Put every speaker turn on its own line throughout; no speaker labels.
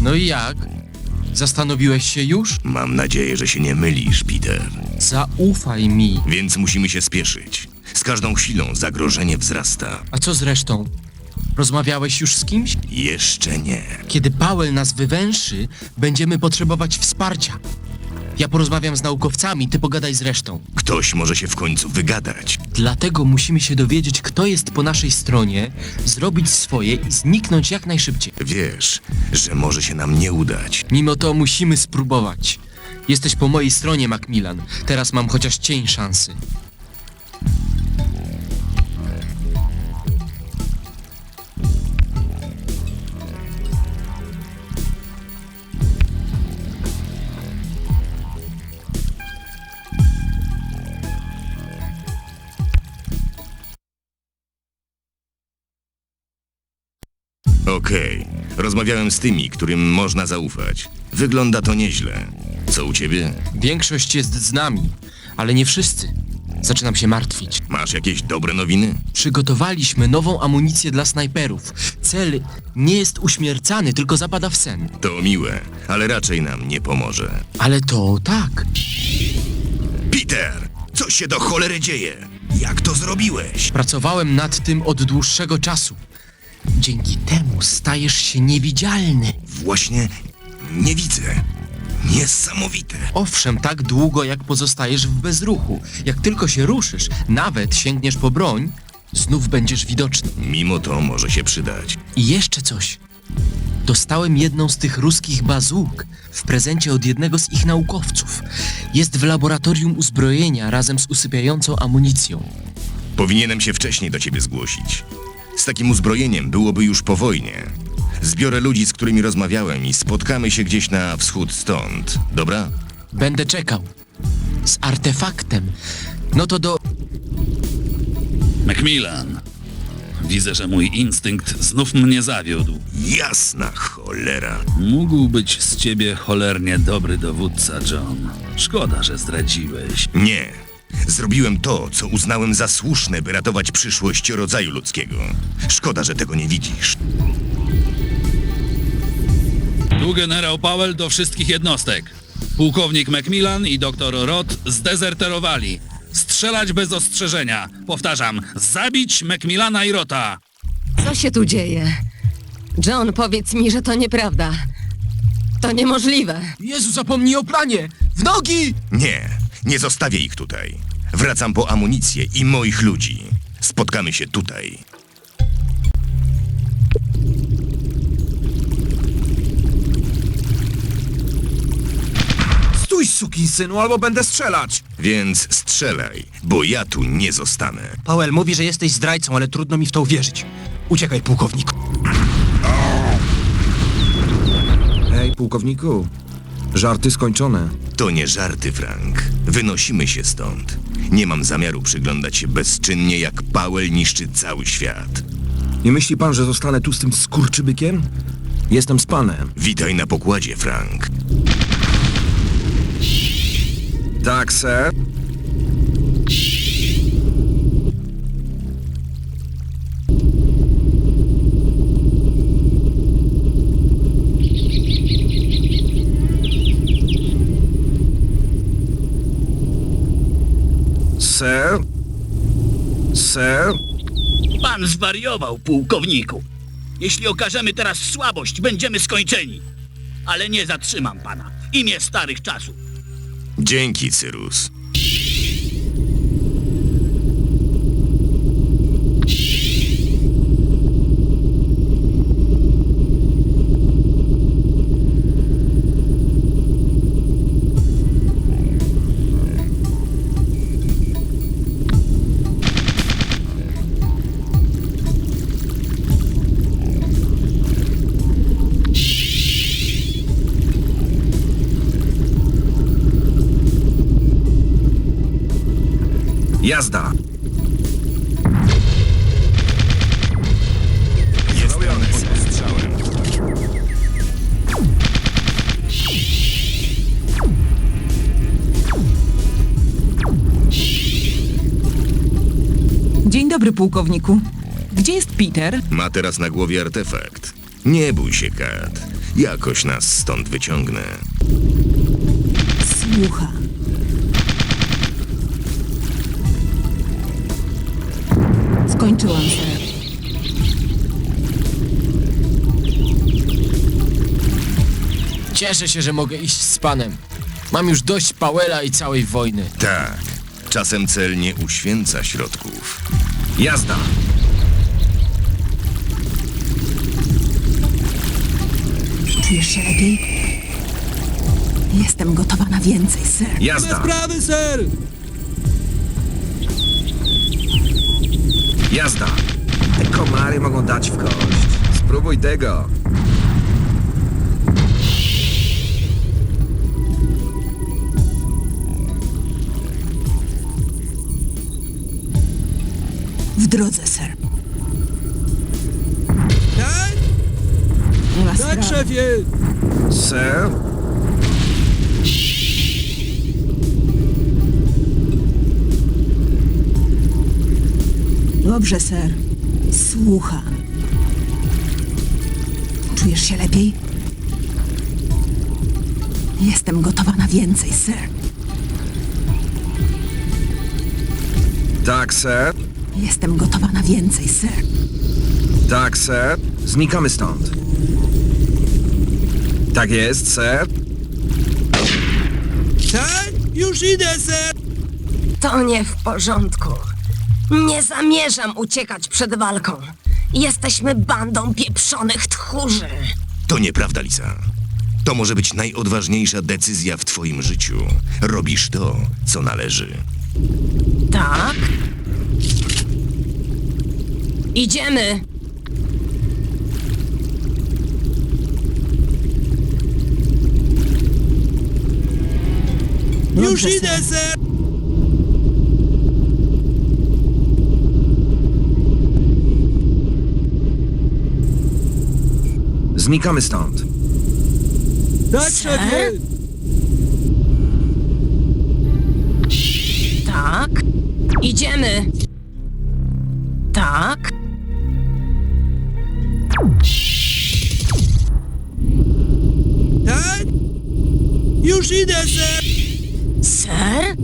No i jak? Zastanowiłeś się już?
Mam nadzieję, że się nie mylisz, Peter.
Zaufaj mi.
Więc musimy się spieszyć. Z każdą chwilą zagrożenie wzrasta.
A co z resztą? Rozmawiałeś już z kimś?
Jeszcze nie.
Kiedy Powell nas wywęszy, będziemy potrzebować wsparcia. Ja porozmawiam z naukowcami, ty pogadaj z resztą.
Ktoś może się w końcu wygadać.
Dlatego musimy się dowiedzieć, kto jest po naszej stronie, zrobić swoje i zniknąć jak najszybciej.
Wiesz, że może się nam nie udać.
Mimo to musimy spróbować. Jesteś po mojej stronie, Macmillan. Teraz mam chociaż cień szansy.
Okej. Rozmawiałem z tymi, którym można zaufać. Wygląda to nieźle. Co u ciebie?
Większość jest z nami, ale nie wszyscy. Zaczynam się martwić.
Masz jakieś dobre nowiny?
Przygotowaliśmy nową amunicję dla snajperów. Cel nie jest uśmiercany, tylko zapada w sen.
To miłe, ale raczej nam nie pomoże.
Ale to tak.
Peter! Co się do cholery dzieje? Jak to zrobiłeś?
Pracowałem nad tym od dłuższego czasu. Dzięki temu stajesz się niewidzialny.
Właśnie nie widzę. Niesamowite.
Owszem, tak długo jak pozostajesz w bezruchu. Jak tylko się ruszysz, nawet sięgniesz po broń, znów będziesz widoczny.
Mimo to może się przydać.
I jeszcze coś. Dostałem jedną z tych ruskich bazuk w prezencie od jednego z ich naukowców. Jest w laboratorium uzbrojenia razem z usypiającą amunicją.
Powinienem się wcześniej do ciebie zgłosić. Z takim uzbrojeniem byłoby już po wojnie. Zbiorę ludzi, z którymi rozmawiałem i spotkamy się gdzieś na wschód stąd. Dobra?
Będę czekał. Z artefaktem. No to do...
Macmillan, widzę, że mój instynkt znów mnie zawiódł.
Jasna cholera.
Mógł być z ciebie cholernie dobry dowódca, John. Szkoda, że zdradziłeś.
Nie. Zrobiłem to, co uznałem za słuszne, by ratować przyszłość rodzaju ludzkiego. Szkoda, że tego nie widzisz.
Tu generał Powell do wszystkich jednostek. Pułkownik Macmillan i doktor Roth zdezerterowali. Strzelać bez ostrzeżenia. Powtarzam, zabić Macmillana i Rotha.
Co się tu dzieje? John, powiedz mi, że to nieprawda. To niemożliwe.
Jezu, zapomnij o planie! W nogi!
Nie zostawię ich tutaj. Wracam po amunicję i moich ludzi. Spotkamy się tutaj.
Stój, sukinsynu, albo będę strzelać!
Więc strzelaj, bo ja tu nie zostanę.
Powell mówi, że jesteś zdrajcą, ale trudno mi w to uwierzyć. Uciekaj, pułkowniku.
Hej, pułkowniku. Żarty skończone.
To nie żarty, Frank. Wynosimy się stąd. Nie mam zamiaru przyglądać się bezczynnie, jak Powell niszczy cały świat.
Nie myśli pan, że zostanę tu z tym skurczybykiem? Jestem z panem.
Witaj na pokładzie, Frank.
Tak, sir. Sir? Sir?
Pan zwariował, pułkowniku. Jeśli okażemy teraz słabość, będziemy skończeni. Ale nie zatrzymam pana. Imię starych czasów.
Dzięki, Cyrus.
Jazda!
Jestem pod ostrzałem.
Dzień dobry, pułkowniku. Gdzie jest Peter?
Ma teraz na głowie artefakt. Nie bój się, Kat. Jakoś nas stąd wyciągnę.
Słucham. Skończyłam, ser.
Cieszę się, że mogę iść z panem. Mam już dość Powella i całej wojny.
Tak. Czasem cel nie uświęca środków.
Jazda!
Czujesz się lepiej? Jestem gotowa na więcej, ser.
Jazda!
Sprawy, ser!
Jazda! Te komary mogą dać w kość. Spróbuj tego.
W drodze, ser.
Tak?
Nie ma sprawy.
szefie!
Sir?
Dobrze, ser. Słucham. Czujesz się lepiej? Jestem gotowa na więcej, ser.
Tak, sir.
Jestem gotowa na więcej, ser.
Tak, sir. Znikamy stąd. Tak jest, sir.
Tak? Już idę, ser!
To nie w porządku. Nie zamierzam uciekać przed walką. Jesteśmy bandą pieprzonych tchórzy.
To nieprawda, Lisa. To może być najodważniejsza decyzja w twoim życiu. Robisz to, co należy.
Tak? Idziemy.
Dobrze, ser.
ser!
Znikamy stąd.
Tak,
szefie! Tak? Idziemy. Tak?
Tak? Już idę, ser!
Ser?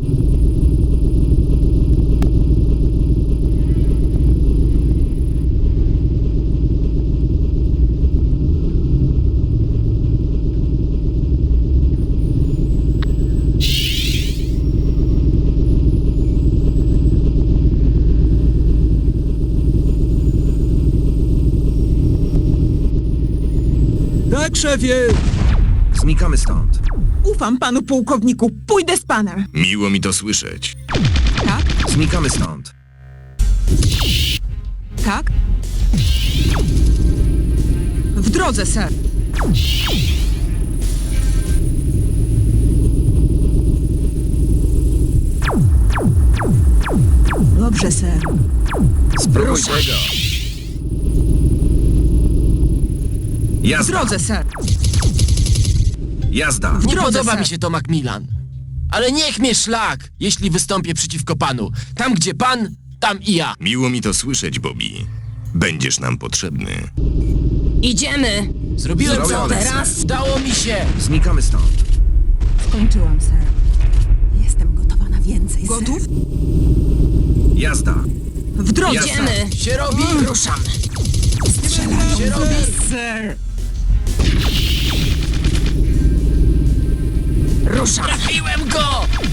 Tak, szefie!
Znikamy stąd.
Ufam panu pułkowniku, pójdę z panem.
Miło mi to słyszeć.
Tak?
Znikamy stąd.
Tak? W drodze, ser.
Dobrze, ser.
Spróbuj tego.
W
Jazda!
drodze, ser.
Jazda!
Nie
drodze,
podoba
ser.
mi się to Macmillan. Ale niech mnie szlak, jeśli wystąpię przeciwko panu. Tam, gdzie pan, tam i ja.
Miło mi to słyszeć, Bobby. Będziesz nam potrzebny.
Idziemy.
Zrobiłem co
Zrobione,
teraz? Udało mi się.
Znikamy stąd.
Skończyłam, ser. Jestem gotowa na więcej, ser.
Gotów?
Jazda!
W drodze,
Jasne.
ser.
Idziemy.
Się robi.
Ruszamy.
Się robi.
Ser.
Ruszamy.
Trafiłem go!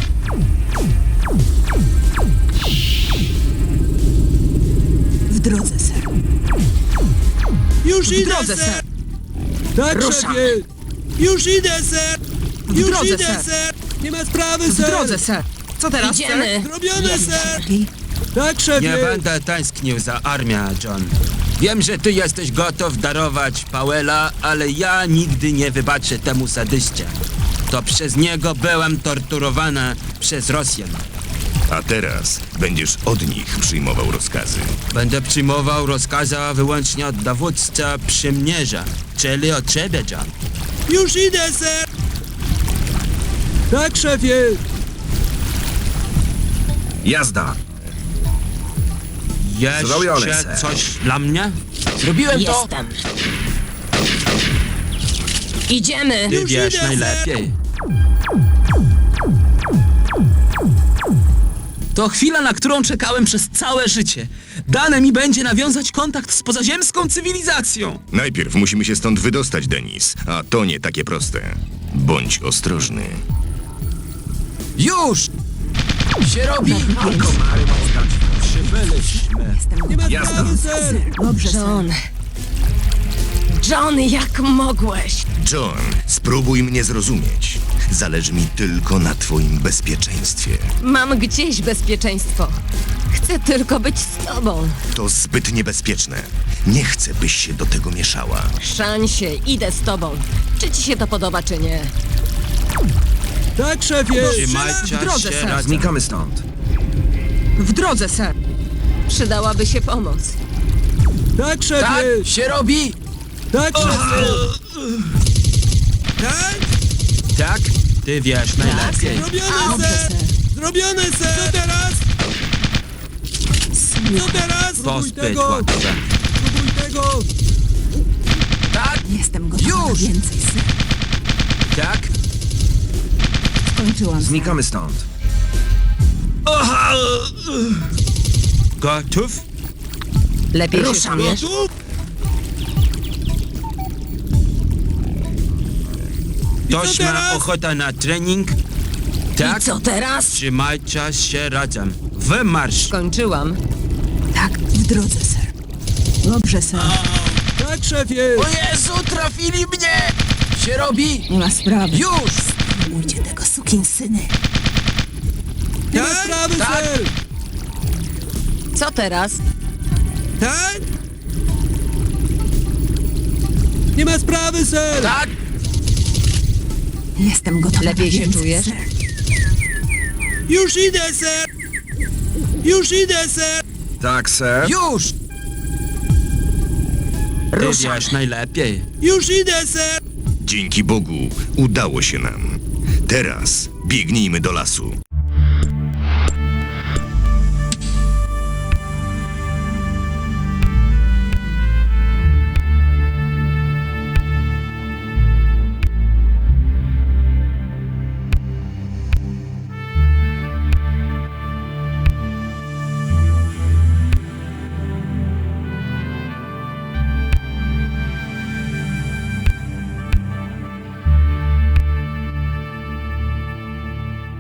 W drodze, ser.
Już
W drodze, ser.
Tak,
Ruszamy.
Już idę, ser!
W drodze, ser.
Nie ma sprawy,
W drodze, ser. Co teraz, ser?
Idziemy.
Zrobione,
Lepiej?
Tak, szefie!
Nie będę tęsknił za armią, John. Wiem, że ty jesteś gotów darować Powella, ale ja nigdy nie wybaczę temu sadyście. To przez niego byłem torturowany przez Rosjan.
A teraz będziesz od nich przyjmował rozkazy.
Będę przyjmował rozkazy wyłącznie od dowódcy przymierza, czyli od ciebie, John.
Już idę, ser! Tak, szefie!
Jazda! Zrobione,
Jeszcze
ser.
coś dla mnie?
Zrobiłem to.
Jestem. Idziemy!
Ty wiesz najlepiej.
To chwila, na którą czekałem przez całe życie. Dane mi będzie nawiązać kontakt z pozaziemską cywilizacją.
Najpierw musimy się stąd wydostać, Denis, a to nie takie proste. Bądź ostrożny.
Już! Się robi!
Przybyliśmy.
Jestem gotowa. Dobrze, sir.
John, jak mogłeś?
John, spróbuj mnie zrozumieć. Zależy mi tylko na twoim bezpieczeństwie.
Mam gdzieś bezpieczeństwo. Chcę tylko być z tobą.
To zbyt niebezpieczne. Nie chcę, byś się do tego mieszała.
Szansie, idę z tobą. Czy ci się to podoba, czy nie?
Tak, szefie!
Trzymajcie
W drodze,
się
sir.
razem.
Znikamy stąd.
W drodze, sir.
Przydałaby się pomoc.
Tak, szefie!
Tak się robi!
Tak, szefie! Tak?
Tak? Ty wiesz najlepiej.
Zrobione, sir! Zrobione, sir! Co teraz? Co teraz? Spróbuj
Pozbyt
tego!
łatwe.
Spróbuj tego!
Tak!
Jestem gotowa na
Już!
więcej, sir.
Tak?
Skończyłam, sir.
Znikamy stąd.
Gotów?
Lepiej się czujesz?
Ktoś ma ochotę na trening? Tak?
I co teraz?
Trzymajcie się razem. Wymarsz!
Skończyłam.
Tak, w drodze, sir. Dobrze, sir.
Tak, szefie!
O Jezu, trafili mnie! Się robi!
Nie ma sprawy.
Już!
Ujdzie tego sukinsyny.
Nie ma sprawy,
tak.
sir!
Co teraz?
Tak? Nie ma sprawy, sir!
Tak!
Jestem gotowa
Lepiej
na
się
więcej,
czujesz?
sir.
Już idę, sir! Już idę, sir!
Tak, sir.
Już!
Ty wiesz najlepiej.
Już idę, sir!
Dzięki Bogu udało się nam. Teraz biegnijmy do lasu.